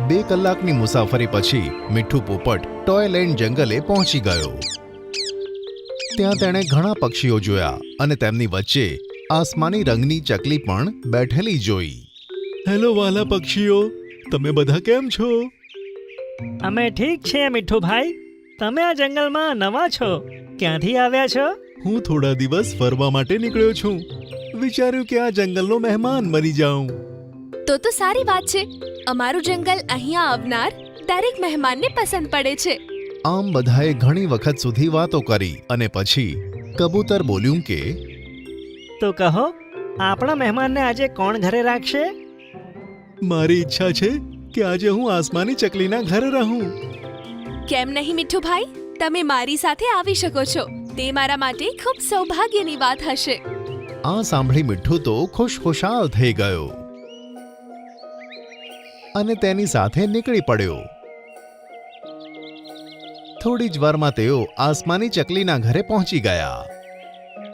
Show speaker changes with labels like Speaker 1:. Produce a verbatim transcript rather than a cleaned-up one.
Speaker 1: બે કલાકની મુસાફરી પછી મીઠું પોપટ ટોયલેન્ડ જંગલે પહોંચી ગયો। ત્યાં તેણે ઘણા પક્ષીઓ જોયા અને તેમની વચ્ચે આસમાની રંગની ચકલી પણ બેઠેલી જોઈ। હેલો વાલા પક્ષીઓ, તમે બધા કેમ છો?
Speaker 2: અમે ઠીક છીએ મીઠું ભાઈ। તમે આ જંગલમાં નવા છો, ક્યાંથી આવ્યા છો?
Speaker 1: હું થોડા દિવસ ફરવા માટે નીકળ્યો છું। વિચાર્યું કે આ જંગલનો મહેમાન બની જાઉં।
Speaker 3: તો તો સારી વાત છે। અમારું જંગલ અહીંયા આવનાર દરેક મહેમાનને પસંદ પડે છે।
Speaker 1: આમ બધાએ ઘણી વખત સુધી વાતો કરી અને પછી કબૂતર બોલ્યું કે
Speaker 2: તો કહો, આપણા મહેમાનને આજે કોણ ઘરે રાખશે?
Speaker 1: મારી ઈચ્છા છે કે આજે હું આસમાની ચકલીના ઘરે રહું।
Speaker 3: કેમ નહીં મીઠું ભાઈ, તમે મારી સાથે આવી શકો છો। તે મારા માટે ખૂબ સૌભાગ્યની વાત હશે।
Speaker 1: આ સાંભળી મીઠું તો ખુશખુશાલ થઈ ગયો અને તેની સાથે નીકળી પડ્યો। થોડી જ વારમાં તેઓ આસમાની ચકલીના ઘરે પહોંચી ગયા।